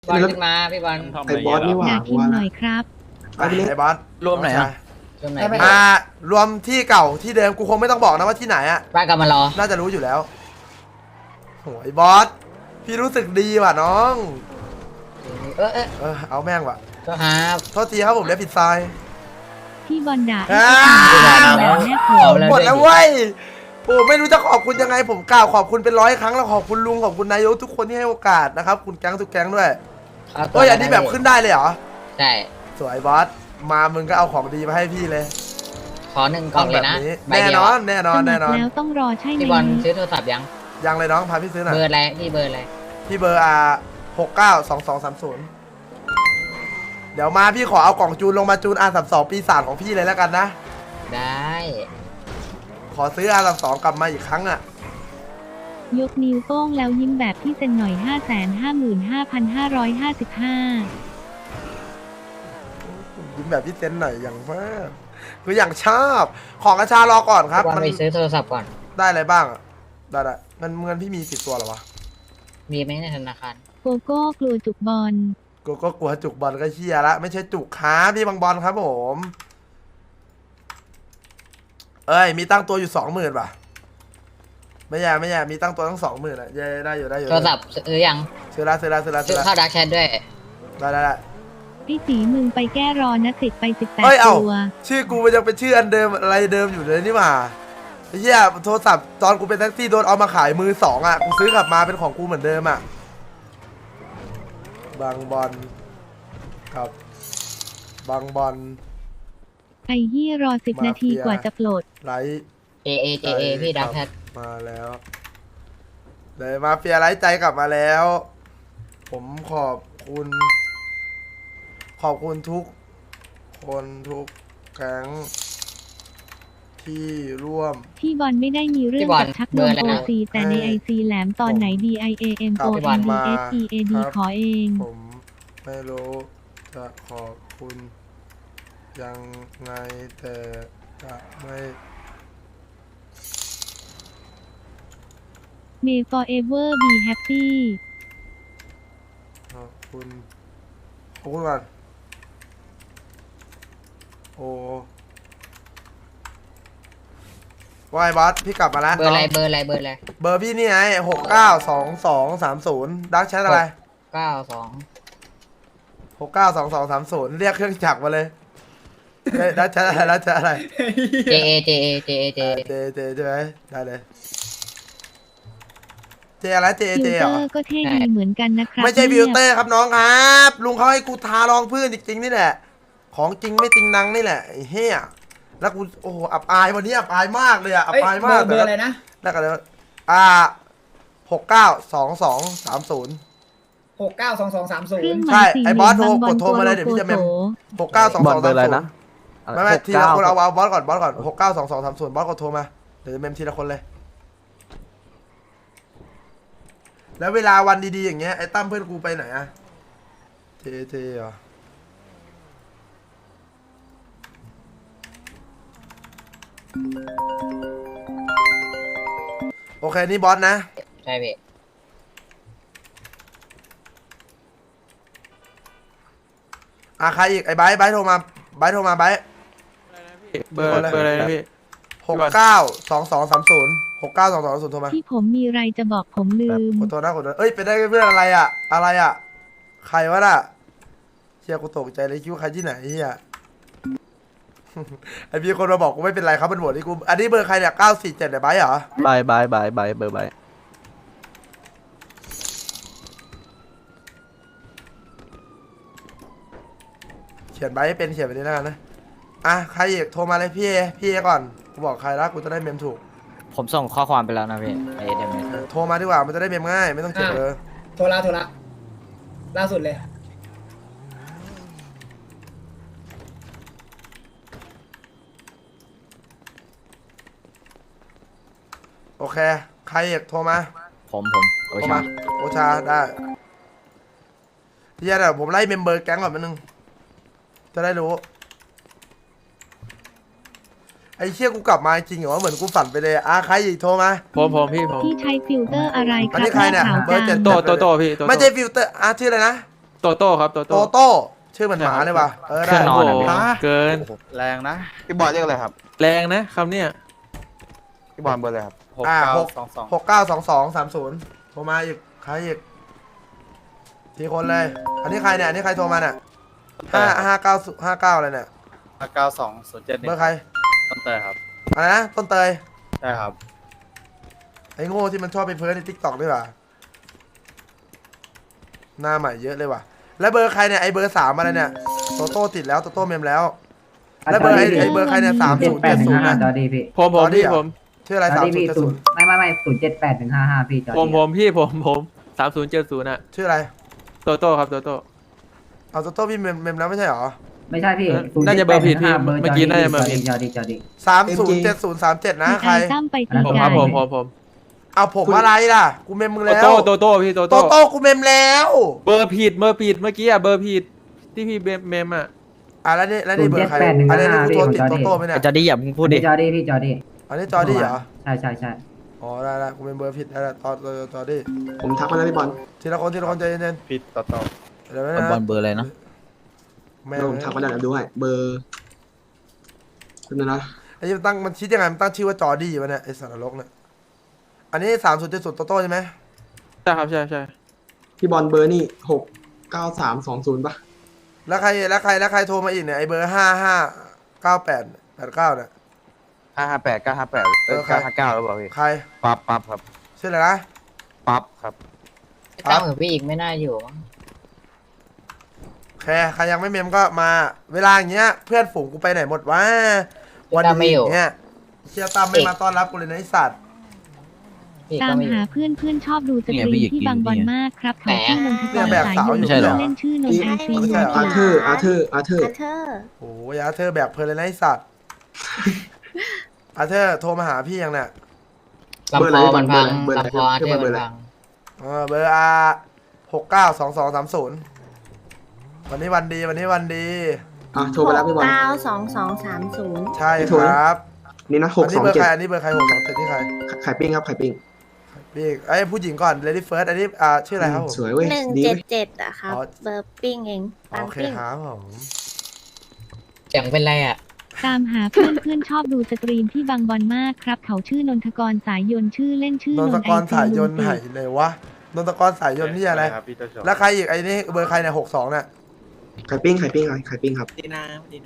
บอลขึ้นมาพี่บอลไอ้บอสนี่หว่าอยากกินหน่อยครับไปไปเลยไอ้บอสรวมไหนอ่ะช่วงไหนรวมที่เก่าที่เดิมกูคงไม่ต้องบอกนะว่าที่ไหนอะบ้านกำมารอน่าจะรู้อยู่แล้วโหไอ้บอสพี่รู้สึกดีว่ะน้อง เอาแม่งว่ะก็ครับโทษทีครับผมเลี้ยผิดทรายพี่บอลด่าอ่าแล้วแม่โขเอางแล้วหมดแล้วเว้ยโอ้ไม่รู้จะขอบคุณยังไงผมกล่าวขอบคุณเป็น100 ครั้งแล้วขอบคุณลุงขอบคุณนายกทุกคนที่ให้โอกาสนะครับคุณแก๊งทุกแก๊งด้วยเฮ้ยอันนี้แบบขึ้นได้เลยเหรอใช่สวยบอสมามึงก็เอาของดีมาให้พี่เลยขอ1 กล่องเลยนะใบแน่เดีนยวอนแน่นอนสมัแน่คนอนแล้วต้องรอใช่ไหมพี่บอลซื้อโทรศัพท์ยังยังเลยน้องพาพี่ซื้อหน่อยเบอร์อะไรพี่เบอร์อะไรพี่เบอร์692230เดี๋ยวมาพี่ขอเอากล่องจูนลงมาจูนR32ปีศาจของพี่เลยแล้วกันนะได้ขอซื้อR32กลับมาอีกครั้งอ่ะยกนิ้วโป้งแล้วยิ้มแบบพี่เซ็นหน่อย 555,555 ยิ้มแบบพี่เซนหน่อยอย่างมากคืออย่างชอบของกระชารอก่อนครับพี่บอลมันไปซื้อโทรศัพท์ก่อนได้อะไรบ้างอะได้เงินพี่มี10 ตัวเหรอวะมีไหมในธนาคารโกโก้กลัวจุกบอลกูก็กลัวจุกบอลก็เชียละไม่ใช่จุกค้าพี่บางบอลครับผมเอ้ยมีตั้งตัวอยู่20,000ป่ะไม่แย่มีตั้งตัวทั้ง20,000อ่ะได้อยู่โทรศัพท์ซื้อยังซื้อละซื้อเข้าดักแชทด้วยได้ไอ้สีมึงไปแก้รอนะติดไปเอ้ย 18 เอ้าตัวชื่อกูมันยังเป็นชื่ออันเดิมอะไรเดิมอยู่เลยนี่หว่าไอ้เหี้ยโทรศัพท์ตอนกูเป็นแท็กซี่โดนเอามาขายมือ2อ่ะกูซื้อกลับมาเป็นของกูเหมือนเดิมอ่ะบางบอลกับบางบอลไอ้เหี้ยรอ10 นาทีกว่าจะปลดไลท์ JA พี่ดักแชทมาแล้วเลยมาเฟียไลท์ใจกลับมาแล้ว ผมขอบคุณทุกคนทุกแก๊งที่ร่วมพี่บอลไม่ได้มีเรื่องกับชักนมโอซีแต่ในไอซีแหลมตอนไหน DIAMONDSEAD ขอเองผมไม่รู้จะขอบคุณยังไงแต่จะไม่ May forever be happy ขอบคุณก่อนโอ้วายบอสพี่กลับมาแล้วเบอร์อะไรน้งเบอร์อะไรเบอร์พี่นี่ไง692230ดักแชทอะไร 92 692230เรียกเครื่องจักรมาเลยเฮ้ยดักแชทอะไร JA เจใช่ไหมได้เลยเจอะไรเจฟิลเหเตรออร์ก็เท่ดีเหมือนกันนะครับไม่ใช่ฟินี่ลยเตอร์ครับน้องครับลุงเขาให้กูทารองพื้นจริงๆนี่แหละของจริงไม่จริงนังนี่แหละไอ้เหี้ยแล้วกูโอ้โหอับอายวันนี้อับอายมากเลยอะอับอายมากเบอร์อะไรนะแล้วกันเลย692230 692230 เครื่องหใช่มายสี่ไอ้เหบลี่อย สมโทรบางบอลกดโทรมาเลยเดี๋ยวพี่จะเมมโถ 692230 บอลเบอร์อะไรนะไม่ทีละคนเอาบอสก่อน692230บอสกดโทรมาเดี๋ยวจะเมมทีละคนเลยแล้วเวลาวันดีๆอย่างเงี้ยไอ้ตั้มเพื่อนกูไปไหนอะเทเหรอโอเคนี่บอสนะใช่พี่ใครอีกไอ้ไบร์ทโทรมาไบร์ทเบอร์อะไรนะพี่ 692230โทรมาที่ผมมีไรจะบอกผมลืมขอโทษนะเอ้ยเป็นได้เพื่อนอะไรอะใครวะน่ะเชี่ยกูตกใจเลยคิดว่าใครที่ไหนเฮีย ไอพี่คนมาบอกกูไม่เป็นไรครับมันโหวตที่กูอันนี้เบอร์ใครเนี่ย947เนี่ยไบร์ทเหรอบายเบอร์ใบเขียนไบร์ทให้เป็นเขียนไปนี้แล้วกันนะใครอีกโทรมาเลยพี่เอก่อนกูบอกใครแล้วกูจะได้เมมถูกผมส่งข้อความไปแล้วนะพี่ไอเดมโทรมาดีกว่ามันจะได้เมมง่ายไม่ต้องเขียนเลยโทรละล่าสุดเลยโอเคใครอีกโทรมาผมโอโทรชามาโอชาได้ที่จะผมไล่เมมเบอร์แก๊งก่อนมันนึงจะได้รู้ไอ้เชี่ยกูกลับมาจริงเหรอเหมือนกูฝันไปเลยใครอีกโทรมาผมพี่ที่ใช้ฟิลเตอร์อะไรคอันรับนี้ใครเนี่ยหาขาวเบอร์จั 7 งโตพี่ไม่ใช่ฟิลเตอร์ชื่ออะไรนะโตโต้ครับโตโตโต้โต้ชื่อเหมือนหมาเลยว่ะเครื่ได้องนอนอะพี่เกินแรงนะพี่บอลเรียกอะไรครับแรงนะคำเนี้ยพี่บอลเบอร์อะไรครับ 692230โทรมาอีกใครอีกทีคนเลย อันนี้ใครเนี่ยอันนี้ใครโทรมาเนี่ย59อะไรเนี่ย 9207 เบอร์ใครต้นเตยครับอะไรนะต้นเตยใช่ครับไอ้โง่ที่มันชอบไปเพิร์ในทิกตอกด้วยว่ะหน้าใหม่เยอะเลยว่ะแล้วเบอร์ใครเนี่ยไอ้เบอร์3อะไรเนี่ยโตโต้ติดแล้วโตโต้เมมแล้ว แล้วเบอร์ไอ้เบอร์ใครเนี่ย3070นะจอดีพี่ผมจอดี้พี่เหรอผมชื่ออะไรจอดีพี่ศูนย์ 3070 ไม่078-155พี่จอดีผมพี่ผม3070อะชื่ออะไรโตโต้ครับโตโต้เอาโตโต้พี่เมมแล้วไม่ใช่หรอไม่ใช่พี่น่าจะเบอร์ผิดพี่เบอร์เมื่อกี้น่าจะเบอร์ผิดจอดี 307037นะมีใครตั้มไปผมที่ครับการผมเอาผมอะไรล่ะกูเมมมึงโตแล้วโต้พี่โตโตโต้โต้กูเมมแล้วเบอร์ผิดเมื่อกี้อะเบอร์ผิดที่พี่เมมอะแล้วนี่เบอร์ใครอันนี้กูโทรติดโตโต้ไหมเนี่ยจะได้อย่าเพิ่งพูดดิจอดีพี่จอดีอันนี้จอดี้เหรอใช่อ๋อได้กูเป็นเบอร์ผิดแล้วจอดี้ผมทักมาแล้วพี่บอลทีละคนใจเย็นพี่ต่อๆเดี๋ยวนะบอลเบอร์อะไรนะแม่แล้วผมทักมาแล้วเดี๋ยวดูให้เบอร์คุณนะไอ้ตั้งมันคิดยังไงมันตั้งชื่อว่าจอดี้วะเนี่ยไอ้สารลกเนี่ยอันนี้3070โตโต้ใช่ไหมใช่ครับใช่พี่บอลเบอร์นี่69320ป่ะแล้วใครโทรมาอีกเนี่ยไอ้เบอร์559889เนี่ย 558 958 959แล้วเปล่าพี่ใครปั๊บครับชื่ออะไรนะปั๊บครับตั้งเหมือนพี่อีกไม่น่าอยู่มั้งใครยังไม่เมมก็มาเวลาอย่างเงี้ยเพื่อนฝูงกูไปไหนหมดวะวันนี้อย่างเงี้ยเชียร์ตั้มไม่มาต้อนรับกูเลยนะไอ้สัตว์พี่ตาก็มไม่อยู่หาเพื่อนชอบดูสตรีมที่บางบอลมากครับเขาชื่อนนทกรสายยนไม่ใช่เหรอเล่นชื่อนนไอซีไม่ใช่เหรออาเธอร์โอ้ยอาเธอร์แบกเพลินเลยนะไอ้สัตว์อาเธอร์โทรมาหาพี่ยังเนี่ยลำคอมันพังลำคออาเทอร์มันพังเบอร์692230วันนี้วันดีอ่ะโทรไปแล้วพี่บอล 92230 ใช่ครับนี่นะอันนี้เบอร์ใคร 627 อันนี้เบอร์ใคร627นี่ใครไข่ปิ้งครับไข่ปิ้งพี่ไอ้ผู้หญิงก่อน Lady First อันนี้ชื่ออะไรครับผมสวยเว้ยดีเว้ย 177อะครับอ๋อเบอร์ปิ้งเองปังโอเคปิ้งครับผมเสียงเป็นไรอ่ะตามหาเพื่อนชอบดูสตรีมที่บางบอลมากครับเขาชื่อนนทกรสายยนชื่อเล่นชื่อนนนทไอกรซีสายยลุนงต์ติไหนเลยวะนนทกรสายยนต์ที่อะไรครับพี่เจ้าชายแล้วใครอีกไอ้นี่เบอร์ใครเนี่ย62เนี่ยไข่ปิ้งครับดีนะ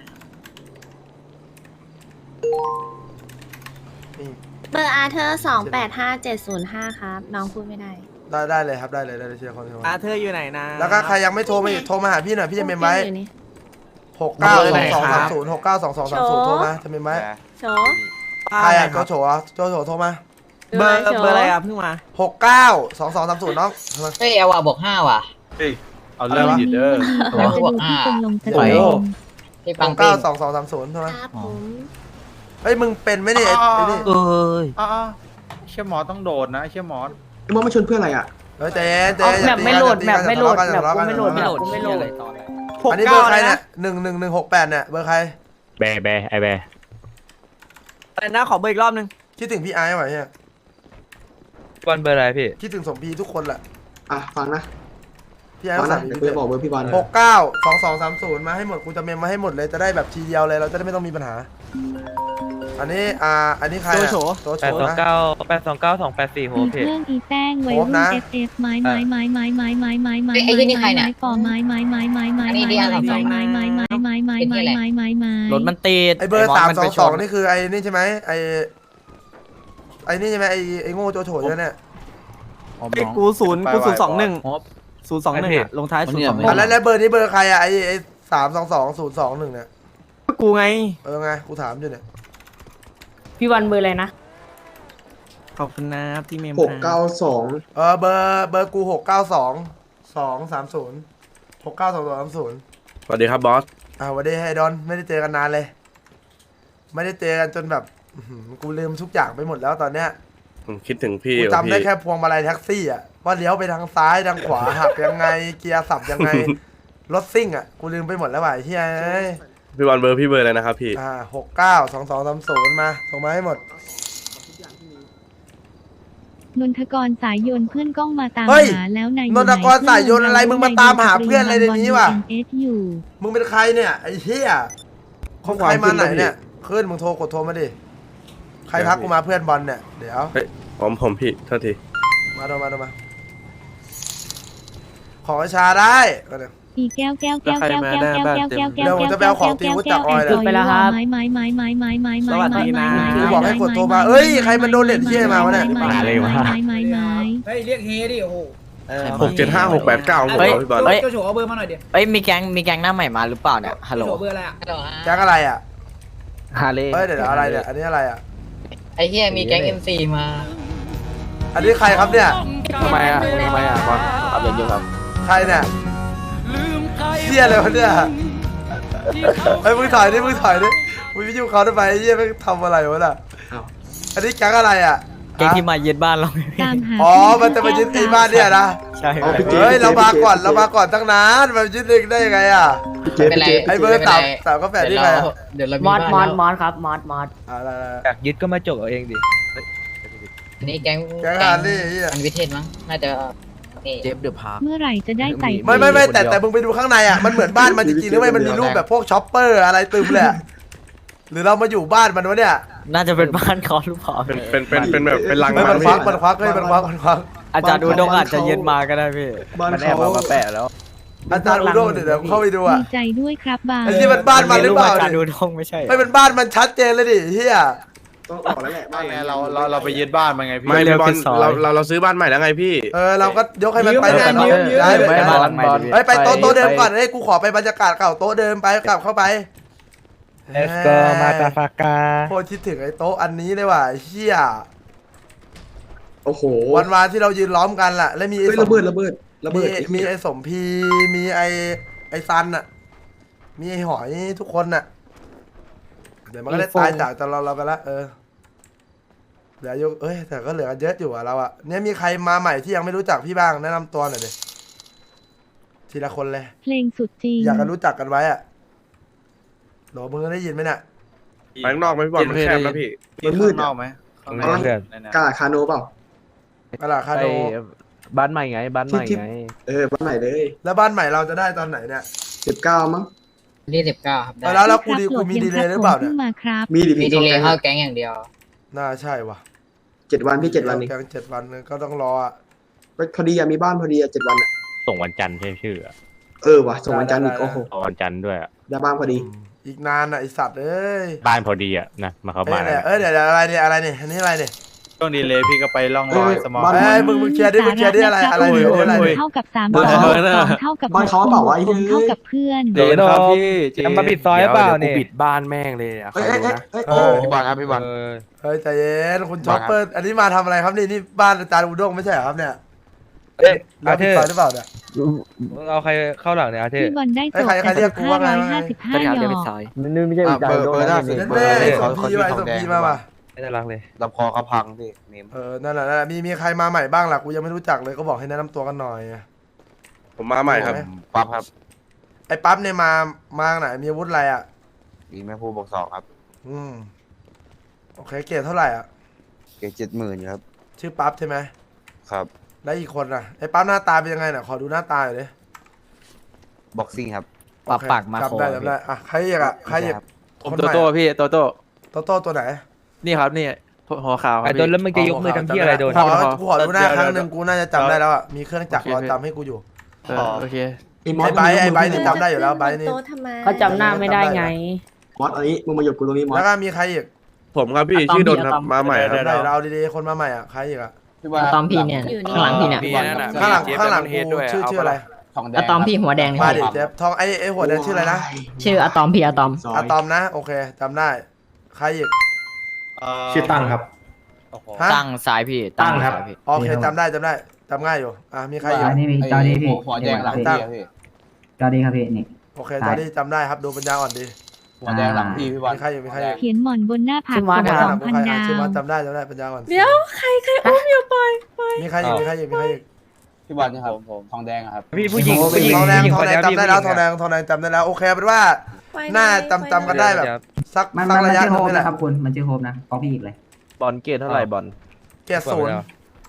นี่เบอร์อาเธอร์285705 ครับ น้องพูดไม่ได้ได้เลยครับได้เลยเชียร์คนอาเธอร์อยู่ไหนนะแล้วก็ใครยังไม่โทรมาอีกโทรมาหาพี่หน่อยพี่จะเมมไว้อยู่นี่ 692230โทรมาจะเมมไว้โชว์ใครโจโฉโทรมาเบอร์อะไรอ่ะเพิ่งมา 692230น้องเฮ้ยเอาว่ะบวก5ว่ะเอาเรื่องหยิดเด้อเราจะดูที่คนลงสตรีมพี่ปังปิ้ง 692230โทรมาครับผมเฮ้ยมึงเป็นไหมเนี่ยไอ้นี่เอ้ยเชี่ยหมอต้องโดดนะเชี่ยหมอพี่บอลมาชวนเพื่ออะไรอ่ะเฮ้ยเจ๊แบบไม่โหลดแบบไม่โหลดแบบกูไม่โหลด อันนี้เบอร์ใครเนี่ย11168เนี่ยเบอร์ใครแบไอแบอะไรนะขอเบอร์อีกรอบนึงคิดถึงพี่ไอ้ไหมเนี่ยบอลเบอร์อะไรพี่คิดถึงสมพีทุกคนแหละอ่ะฟังนะพี่ไอ้ฟังสั่นะงเดี๋ยวกูจะบอกเบอร์พี่บอล 692230มาให้หมดกูจะเมมมาให้หมดเลยจะได้แบบทีเดียวเลยเราจะได้ไม่ต้องมีปัญหา อันนี้ใครโจโฉนะ 829284284โฮมีเพเครื่องอีแป้งไว้รุ่น FF ไม้ปอไม้ปอไม้ไม้ไม้ไม้ไม้รถมันติดไอเบอร์322นี่คือไอนี่ใช่ไหมไอนี่ใช่ไหมไอโง่โจโฉเนี่ยไอ้กู021ลงท้าย021 แล้วเบอร์นี้เบอร์ใครอะไอ322021เนี่ยกูไงไงกูถามอยู่เนี่ยพี่วันเบอร์อะไรนะขอบคุณนะที่เมม 692 เบอร์กู692230 692230 สวัสดีครับบอสวันนี้ให้ดอนไม่ได้เจอกันนานเลย ไม่ได้เจอกันจนแบบกูลืมทุกอย่างไปหมดแล้วตอนเนี้ยคิดถึงพี่กูจำได้แค่พวงมาลัยแท็กซี่อ่ะว่าเลี้ยวไปทางซ้ายทางขวาหักยังไงเกียร์สับยังไงรถซิ่งอ่ะกูลืมไปหมดแล้วว่ะไอ้เฮียพี่บอลเบอร์พี่เบอร์อะไรนะครับพี่ 692230มาส่งมาให้หมดนนทกรสายยนต์เพื่อนก้องมาตามเฮ้ยหาแล้วนายนนทกรสายยนต์อะไรมึงมาตามหาเพื่อนอะไรในนี้วะอยู่มึงเป็นใครเนี่ยไอ้เหี้ยของใครมาไหนเนี่ยขึ้นมึงกดโทรมาดิใครทักกูมาเพื่อนบอลเนี่ยเดี๋ยวผมพี่โทษทีมาขอชาได้ก็เนี่ยอีแก้วเดี๋ยวผมจะไปเอาของตีวุฒิจากออยเลยไปแล้วครับไม้กูบอกให้กดโทรมาเอ้ยใครมันโดนเน็ตเหี้ยมาวะเนี่ยไม้เฮ้ยเรียกเฮดิโอ้โห 675-689ผมพี่บอลเฮ้ยโจโฉเอาเบอร์มาหน่อยเดี๋ยวเอ้ยมีแก๊งหน้าใหม่มาหรือเปล่าเนี่ยฮัลโหลโจโฉเบอร์อะไรอ่ะแก๊งอะไรอ่ะฮาเล่เฮ้ยเดี๋ยวอะไรเนี่ยอันนี้อะไรอ่ะไอ้เหี้ยมีแก๊ง MC มาอันนี้ใครครับเนี่ยทำไมอ่ะบอลขับรถอยู่ครับใครเนี่ยเหี้ยอะไรวะเนี่ยเฮ้ยมึงถอยดิมึงไปยุ่งเขาทำไมไอ้เหี้ยมึงทำอะไรวะน่ะอันนี้แก๊งอะไรอ่ะแก๊งที่มายึดบ้านเราตามหาอ๋อมันจะมายึดไอ้บ้านเนี่ยนะใช่เฮ้ยเรามาก่อนตั้งนานมายึดเองได้ยังไงอ่ะเป็นไรไอ้เบอร์สามก็แปดนี่ใครอ่ะเดี๋ยวเรามีมอดบ้านแล้วครับมอดอะไรอยากยึดก็มาจกเอาเองดิอันนี้แก๊งแก๊งฮาร์ลี่เหี้ยอันวิเทศมั้งน่าจะนี่เจฟเดอะพาร์คเมื่อไหร่จะได้ใส่ไม่แต่มึงไปดูข้างในอ่ะมันเหมือนบ้านมันจริงๆหรือไม่มันมีรูปแบบพวกช็อปเปอร์อะไรตึมเลยอะหรือเรามาอยู่บ้านมันวะเนี่ยน่าจะเป็นบ้านเขาหรือเปล่าเป็นแบบเป็นรังเฮ้ยมันควักมันควักอาจารย์ดูดงอาจจะยึดมาก็ได้พี่บ้านมันแอบเขาเอามาแปะแล้วอาจารย์อุดมเดี๋ยวเข้าไปดูอ่ะดีใจด้วยครับบาไอ้ที่มันบ้านมันหรือเปล่าอาจารย์ดิดูดงไม่ใช่ไม่เป็นบ้านมันชัดเจนเลยดิเฮียต้องออกแล้วแหละบ้านไหนเราไปยึดบ้านมันไงพี่ไม่พี่บอลเราซื้อบ้านใหม่แล้วไงพี่เราก็ยกให้มันไปเนี่ยได้เลยไม่บ้านหลังใหม่ดิไปโต๊ะเดิมก่อนเฮ้ยกูขอไปบรรยากาศเก่าโต๊ะเดิมไปกลับเข้าไป Let's go มาตาฟากาโคตรคิดถึงไอ้โต๊ะอันนี้เลยว่ะเฮียโอ้โหวันที่เรายืนล้อมกันล่ะแล้วมีไอ้เฮ้ยระเบิดมีไอ้สมพีมีไอ้ซันอ่ะมีไอ้หอยทุกคนน่ะเดี๋ยวมันก็ได้ตายจากเราไปละเหลืออยู่แต่ก็เหลือเยอะอยู่อ่ะเราอ่ะเนี่ยมีใครมาใหม่ที่ยังไม่รู้จักพี่บ้างแนะนำตัวหน่อยดิทีละคนเลยเพลงสุดจริงอยากกันรู้จักกันไว้อ่ะโหลมึงได้ยินไหมเนี่ยไปข้างนอกไหมพี่บอลมันแคบนะพี่มันมืดนอกไหมกาคาโนเปล่าอะล่ะคาโดบ้านใหม่ไงบ้านใหม่ไงบ้านไหนเลยแล้วบ้านใหม่เราจะได้ตอนไหนเนี่ย 19มั้งนี่19ครับได้แล้วกูมีดีเลย์หรือเปล่าเนี่ยพิ่งมาครับมีดิมีพี่ดีเลยเข้าแก๊งอย่างเดียวน่าใช่ว่ะ 7 วันพี่7 วันนี้แก๊ง7 วันนึงก็ต้องรออ่ะพอดีมีบ้านพอดี7 วันอ่ะส่งวันจันทร์ใช่ชื่อว่ะส่งวันจันทร์อีกโอ้โหวันจันทร์ด้วยได้บ้านพอดีอีกนานอ่ะไอสัตว์เอ้ยบ้านพอดีอ่ะนะมาเข้าบ้านเดี๋ยวอะไรเนี่ยอันนี้อะไรเนี่ยช่วงดีเลยพี่ก็ไปล่องรอยสมองมึงเคลียร์ดิอะไรเนี่ยอะไรเนี่ยเท่ากับ3 บ้านเขาเท่ากับบ้านเขาเปล่าวะไอ้เหี้ยเท่ากับเพื่อนเดี๋ยวครับพี่จะมาปิดซอยเปล่าเนี่ยปิดบ้านแม่งเลยอ่ะพี่บอลครับพี่บอลเฮ้ยใจเย็นคุณช็อปเปอร์อันนี้มาทำอะไรครับนี่บ้านอาจารย์อุดงไม่ใช่เหรอครับเนี่ยเราผิดซอยหรือเปล่าเนี่ยเอาใครเข้าหลังเนี่ยอาเทพี่บอลได้จบใครเรียกกูว่าไง 555หยอกนี่ไม่ใช่อุจจาระแม่สมพีมาป่ะไม่น่ารักเลยลำคอเขาพังพี่เนมนั่นแหละมีใครมาใหม่บ้างล่ะกูยังไม่รู้จักเลยก็บอกให้แนะนำตัวกันหน่อยผมมาใหม่ครับปั๊บครับไอ้ปั๊บเนี่ยมาไหนมีอาวุธอะไรอ่ะมีแม่ผู้บอกสอบครับโอเคเกรดเท่าไหร่อ่ะเก็บ70,000ครับชื่อปั๊บใช่ไหมครับแล้วอีกคนน่ะไอ้ปั๊บหน้าตาเป็นยังไงน่ะขอดูหน้าตาหน่อยดิบ็อกซิ่งครับปรับปากมาโคจำได้อ่ะใครอีกอ่ะใครอีกผมโตโต้พี่โตโต้โต้ตัวไหนนี่ครับนี่หัวขาวไอ้โดนแล้วมึงจะยกมือทำที่อะไรโดนกูขอดูหน้าครั้งหนึ่งกูน่าจะจำได้แล้วอ่ะมีเครื่องจักรรอจำให้กูอยู่โอเคไอ้ไบนี่จำได้อยู่แล้วไบนี่เขาจำหน้าไม่ได้ไงมอสอันนี้มึงมาหยุดกูตรงนี้มอสแล้วก็มีใครอีกผมครับพี่ชื่อดนครับมาใหม่ครับได้เราดีๆคนมาใหม่อ่ะใครอีกอ่ะตอมพี่เนี่ยข้างหลังพี่เนี่ยข้างหลังกูชื่ออะไรอะตอมพี่หัวแดงมาดิเจฟทองไอ้หัวแดงชื่ออะไรนะชื่ออะตอมพี่อะตอมอะตอมนะโอเคจำได้ใครอีกชื่อตั้งครับตั้งซ้ายพี่ตั้งครับโอเคจำได้จำง่ายอยู่มีใครอีกอันนี้มีจอดีพี่หัวแดงหลังตั้งจอดีครับพี่นี่โอเคตอนนี้จำได้ครับดูปัญญาอ่อนดีหัวแดงหลังพี่บอลมีใครอยู่มีใครอยู่เขียนหมอนบนหน้าผากชื่อว่าสองพันดาวชื่อว่าจำได้ปัญญาอ่อนเดี๋ยวใครอุ้มอยู่ปล่อยมีใครอยู่มีใครอยู่พี่บอลนะครับผมทองแดงครับพี่ผู้หญิงทองแดงจำได้แล้วทองแดงจำได้แล้วโอเคเป็นว่าน่าจำกันได้แบบสักมันระยะชื่อนึโฮงมนี่แหละนะครับคุณมันชื่อโฮมนะฟ้องพี่อีกเลยบอลเกตเท่าไหร่บอลเกียร์ศูนย์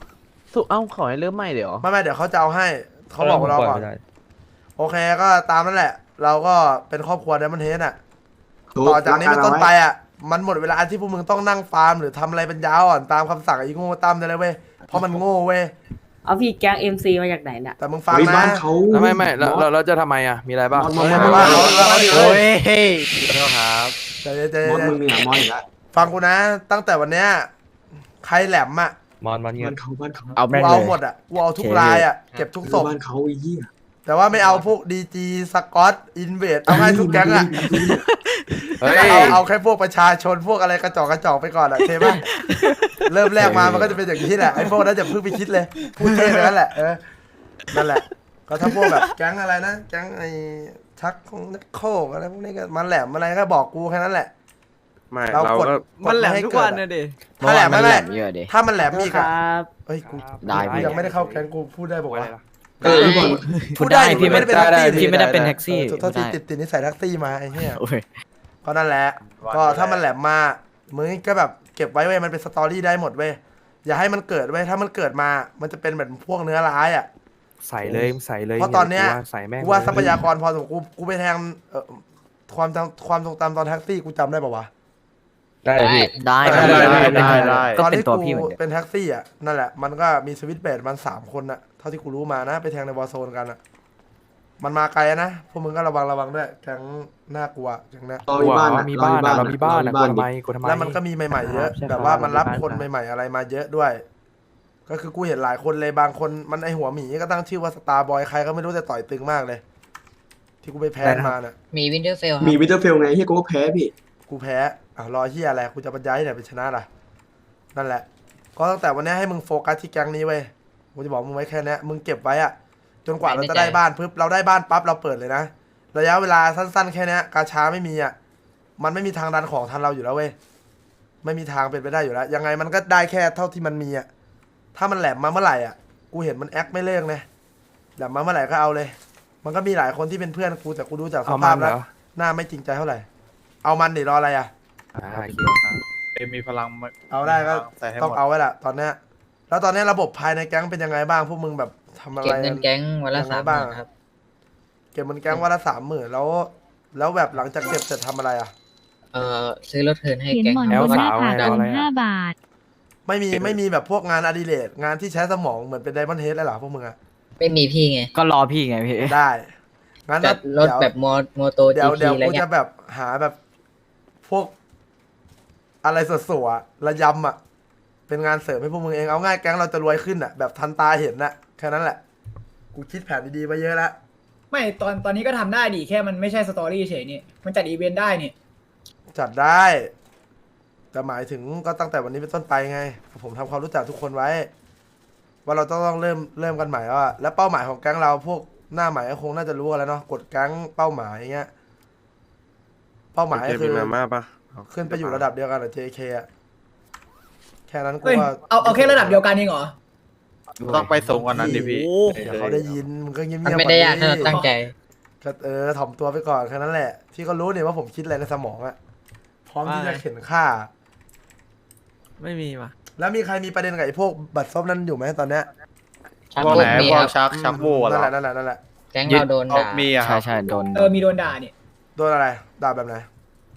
สุเอ้าขอให้เริ่มใหม่เดี๋ยวไม่เดี๋ยวเขาจะเอาให้เขาบอกเราก่อนโอเคก็ตามนั่นแหละ เราก็เป็นครอบครัวเดมอนเฮดอ่ะต่อจากนี้เป็นต้นไปอ่ะมันหมดเวลาที่พวกมึงต้องนั่งฟาร์มหรือทำอะไรเป็นยาวอ่อนตามคำสั่งไอ้โง่ตั้มได้เลยเว้ยเพราะมันโง่เว้ยเอาพี่แก๊ง MC มาจากไหนเนี่ยแต่มึงฟังเฮ้ยนะบ้านเขาไม่เราจะทำไมอ่ะมีอะไรบ้างมอสไม่ว่าเราดิโอ้เว้ยยเฮ้ยขอโทษครับใจมอสเย็มึนงเนี่ยมอสอีกแล้วฟังกูนะ ตั้งแต่วันเนี้ยใครแหลมอ่ะมอนเงี้บ้าย นเขาบ้านเขาเอากูแม่งเอาเลยหมดอ่ะกูเอาทุกรายอ่ะเก็บทุกศพบ้านเขาไอ้เหี้ยแต่ว่าไม่เอาพวกดีจีสกอตอินเวดเอาให้ทุกแก๊งอ่ะเฮ้ยเอาแค่พวกประชาชนพวกอะไรกระจอกไปก่อนอ่ะเทป่ะเริ่มแรกมามันก็จะเป็นอย่างนี้แหละไอ้พวกนั้นจะเพิ่งไปคิดเลยพูดเท่ไปนั่นแหละนั่นแหละก็ถ้าพวกแบบแก๊งอะไรนะแก๊งไอ้ชักของนักโคกอะไรพวกนี้ก็มันแหลมอะไรก็บอกกูแค่นั้นแหละไม่เราเรากดก็มันแหลมทุกวันนะดิถ้าแหลมไม่แหลมเยอะดิถ้ามันแหลมอีกคอ่ะรับเฮ้ยกูได้กูยังไม่ได้เข้าแก๊งกูพูดได้บอกว่าพี่บอลพูดได้พี่ไม่เป็นแท็กซี่พี่ไม่ได้เป็นแท็กซี่โทษทีติดนิสัยแท็กซี่มาไอ้เหี้ยโอ้ยก็นั่นแหละก็ถ้ามันแหลมมามึงก็แบบเก็บไว้เว้ยมันเป็นสตอรี่ได้หมดเว้ยอย่าให้มันเกิดเว้ยถ้ามันเกิดมามันจะเป็นแบบพวกเนื้อร้ายอ่ะใส่เลยใส่เลยเพราะตอนเนี้ยใส่แม่งกูว่าทรัพยากรพอสมควรกูไปแทงความทรงจำตอนแท็กซี่กูจำได้ป่าวะได้พี่ได้ได้ก็ตอนเป็นที่ตัวกูพี่เหมือนกันเป็นแท็กซี่อ่ะนั่นแหละมันก็มีสวิตช์เบดมัน3 คนอ่ะเท่าที่กูรู้มานะไปแทงในวอร์โซนกันอ่ะมันมาไกลนะพวกมึงก็ระวังด้วยแก๊งน่ากลัวแก๊งเนี้ยเรากลัวมีบ้านเรามีบ้านเราอะมีกลัวทำไมแล้วมันก็มีใหม่ๆเยอะแบบว่ามันรับคนใหม่ๆอะไรมาเยอะด้วย ก็คือกูเห็นหลายคนเลยบางคนมันไอหัวหมีก็ตั้งชื่อว่าสตาร์บอยใครก็ไม่รู้แต่ต่อยตึงมากเลย ที่กูไปแพ้มาน่ะมีวินเทอร์เฟลมีวิเตอร์เฟลไงเฮียกูก็แพ้พี่กูแพ้รอเฮียอะไรกูจะบรรยายที่ไหนเป็นชนะล่ะนั่นแหละ ก็ตั้งแต่วันนี้ให้มึงโฟกัสที่แก๊งนี้เว้ยกูจะบอกมึงไว้แค่นี้มึงเก็บไว้อะจนกว่าเราจะได้บ้านปุ๊บเราได้บ้านปั๊บเราเปิดเลยนะระยะเวลาสั้นๆแค่นี้กาชาไม่มีอะมันไม่มีทางดันของทันเราอยู่แล้วเว้ยไม่มีทางเป็นไปได้อยู่แล้วยังไงมันก็ได้แค่เท่าที่มันมีอะถ้ามันแหลมมาเมื่อไหร่อ่ะกูเห็นมันแอคไม่เลิกเลยแหลมมาเมื่อไหร่ก็เอาเลย มันก็มีหลายคนที่เป็นเพื่อนกูแต่กูดูจากสเอาภามัพนเหรแล้วอหน้าไม่จริงใจเท่าไหร่เอามันดิรออะไรอ่ะมีพลังเอาได้ก็ใส่ให้หมดต้องเอาไว้ละตอนเนี้ยแล้วตอนเนี้ยระบบภายในแก๊งเป็นยังไงบ้างพวกมึงแบบทำอะไรเก็บเงินแก๊งวันละยังไง 3,000 บ้างครับเก็บมันแก๊งวันละ30,000แล้วแบบหลังจากเก็บเสร็จทำอะไรอ่ะซื้อรถเทิร์นให้เขียนแก๊งหมอนครับบนหน้าผากแอลสาวลง5 บาทไม่มีแบบพวกงานอดิเรกงานที่ใช้สมองเหมือนเป็นไดมอนด์เฮดเลยเหรอพวกมึงอ่ะไม่มีพี่ไงก็รอพี่ไงพี่ได้งั้นจัดรถแบบโมโตเดี๋ยว GP เดี๋ยวอะไรกูเงี้จะยแบบหาแบบพวก อะไรสดๆอะระยำอ่ะเป็นงานเสริมให้พวกมึงเองเอาง่ายแก๊งเราจะรวยขึ้นอ่ะแบบทันตาเห็นน่ะแค่นั้นแหละกูคิดแผนดีๆไว้เยอะแล้วไม่ตอนนี้ก็ทำได้ดิแค่มันไม่ใช่สตอรี่เฉยนี่มันจัดอีเวนต์ได้นี่จัดได้ แต่หมายถึงก็ตั้งแต่วันนี้เป็นต้นไปไง ผมทำความรู้จักทุกคนไว้ ว่าเราต้องเริ่มกันใหม่แล้วอะแล้วเป้าหมายของแก๊งเราพวกหน้าใหม่ก็คงน่าจะรู้กันแล้วเนาะกดแก๊งเป้าหมายอย่างเงี้ยเป้าหมายก็คือมาม่าปะขึ้นไปอยู่ระดับเดียวกันกับ JK อะแค่นั้นกูเฮ้ยว่าเอาแค่ระดับเดียวกันเองเหรอต้องไปสูงกว่านั้นดิพี่เดี๋ยวเขาได้ยินมึงก็เงียบๆมันไม่ได้ยากถ้าเราก่อนดิตั้งใจก็ถ่อมตัวไปก่อนแค่นั้นแหละพี่ก็รู้เนี่ยว่าผมคิดอะไรในสมองอะพร้อมที่จะเข็นฆ่าไม่มีว่ะแล้วมีใครมีประเด็นกับไอ้พวกบัตรซบนั้นอยู่ไหมตอนเนี้ยชักพวกโบไหนกมีพวคกรับชักโบว์เหรนั่นแหอละนั่นแหละแก๊งเราโดนด่ามีอะคใช่รับใช่โดนมีโดนด่านี่โดนอะไรด่าแบบไหน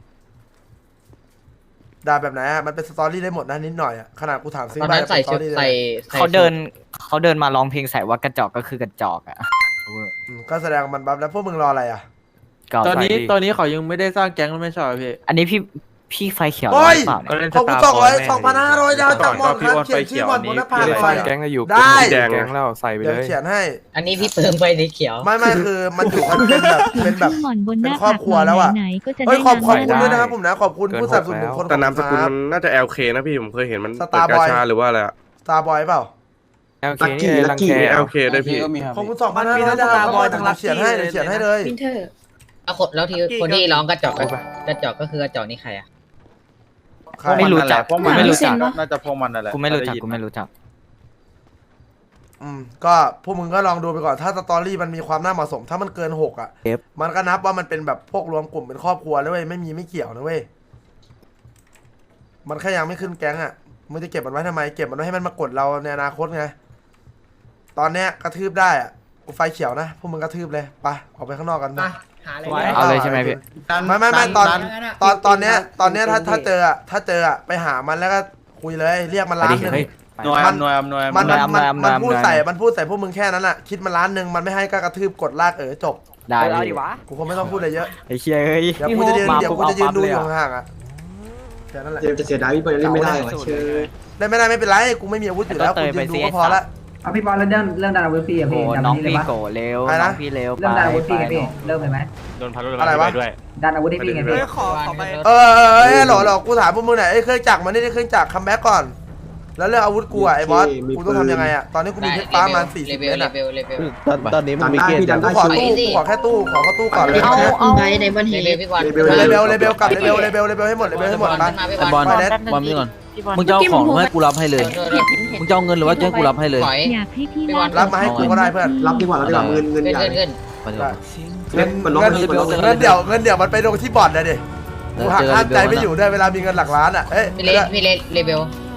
ด่าแบบไหนอะมันเป็นสตอรี่ได้หมดนะนิดหน่อยอะขนาดกูถามซื้อตอนบ้านั้น นใส่เป็นสตชุอดรี่เลยใส่เขาเดินมาร้องเพลงใส่ว่ากระจอกก็คือกระจอกอ่ะก็แสดงมันบัฟแล้วพวกมึงรออะไรอะก็ตอนนี้ใส่ดิตอนนี้เขายังไม่ได้สร้างแก๊งแล้วไม่ใช่เหรอพี่อันนี้พี่ไฟเขียวโอ้ยหรือเปล่าก็เนี่ยเล่นขอบคุณ Starboy 2,500ดาวจากหมอนครับก่อนก็เขียนชื่อหมอนบนหน้าผากพี่ไฟสร้างแก๊งก็อยู่ได้แก๊งแล้วใส่ไปเดี๋ยวเลยเขียนให้อันนี้พี่เปิงไปสีเขียวไม่คือมันอยู่กันเป็นแบบหมอนบนหน้าเป็นครอบครัวแล้วอะไหนๆก็จะเฮ้ได้ยขอบคุณนำด้วยหน้านะครับผมนะขอบคุณผู้สนับสนุนคนแต่นามสกุลครับมันน่าจะ LK นะพี่ผมเคยเห็นมัน Starboy เปิดกาชาหรือว่าอะไรอะสตาร์บอยเปล่า LK นี่รังแค LK ด้วยพี่ขอบคุณ2,500ดาวครับเขียนให้เดี๋ยวเขียนให้เลยวินเทอร์แล้วคนที่ร้องกระจอกกระจอกก็คือกระจอกนี่ใครอ่ะไม่รู้จักพวกมันไม่รู้จักน่าจะพวกมันนั่นแหละกูไม่รู้จักก็พวกมึงก็ลองดูไปก่อนถ้าสตอรี่มันมีความน่าเหมาะสม ถ้ามันเกิน6อ่ะ มันก็นับว่ามันเป็นแบบพวกรวมกลุ่มเป็นครอบครัวแล้วเว้ยไม่เกี่ยวนะเว้ยมันแค่ยังไม่ขึ้นแก๊งอ่ะมึงจะเก็บมันไว้ทำไมเก็บมันไว้ให้มันมากดเราในอนาคตไงตอนเนี้ยกระทืบได้อะกูไฟเขียวนะพวกมึงกระทืบเลยไปออกไปข้างนอกกันไปหาอะไรเอาเลยใช่ไหมพี่ไม่ตอนเนี้ยถ้าเจออะไปหามันแล้วก็คุยเลยเรียกมันล้านหนึ่งหน่วยอำนวยมันพูดใส่พวกมึงแค่นั้นอะคิดมันล้านหนึ่งมันไม่ให้ก็กระทืบกดลากจบได้เอาดิพี่วะกูคงไม่ต้องพูดอะไรเยอะไอ้เชี่ยเอ้ยเดี๋ยวกูจะยืนมาเดี๋ยวกูจะยืนดูอยู่ห่างๆอะแค่นั้นแหละเจมจะเสียดายพี่บอลเล่นไม่ได้ว่ะเชื่อได้ไม่ได้ไม่เป็นไรกูไม่มีอาวุธอยู่แล้วกูยืนดูก็พอละเอาพี่บอลเรื่องดันอาวุธพี่อะโอ้พี่ดันน้องนี้เลยพี่ปะโกเร็วอะไรนะน้องพี่เร็วเรื่องดันอาวุธพี่ไงพี่เริ่มเลยไหมอะไรวะดันอาวุธให้พี่ไงพี่หล่อกูถามพวกมึงหน่อยเครื่องจักรมันนี่ได้เครื่องจักรคัมแบ็กก่อนแล้วเรื่องอาวุธกูอะไอ้บอสกูต้องทำยังไงอะตอนนี้กูมีเพชรฟ้ามัน40 เมตรอะตอนนี้มันมีได้เกณฑ์พี่ดันได้กูขอตู้กูขอแค่ตู้ขอตู้ก่อนเลยเอาไว้ในบันเลทีเวลพี่บอลเลเบลกับเลเบลให้หมดไปขึ้นมาพี่บอลไปเน็ตบอลนี่ก่อนมึงจะเอาของให้กูรับให้เลย มึงจะเอาเงินหรือว่าจะให้กูรับให้เลยถอยอยากให้พี่พี่บอลรับมาให้กูก็ได้เพื่อนรับดีกว่าเงินขึ้นใหญ่ขึ้นเงินเดี๋ยวมันไปลงที่บอร์ดเลยดิกูหักห้ามใจไม่อยู่ด้วยเวลามีเงินหลักล้านอะเอ้ยพี่เลเวล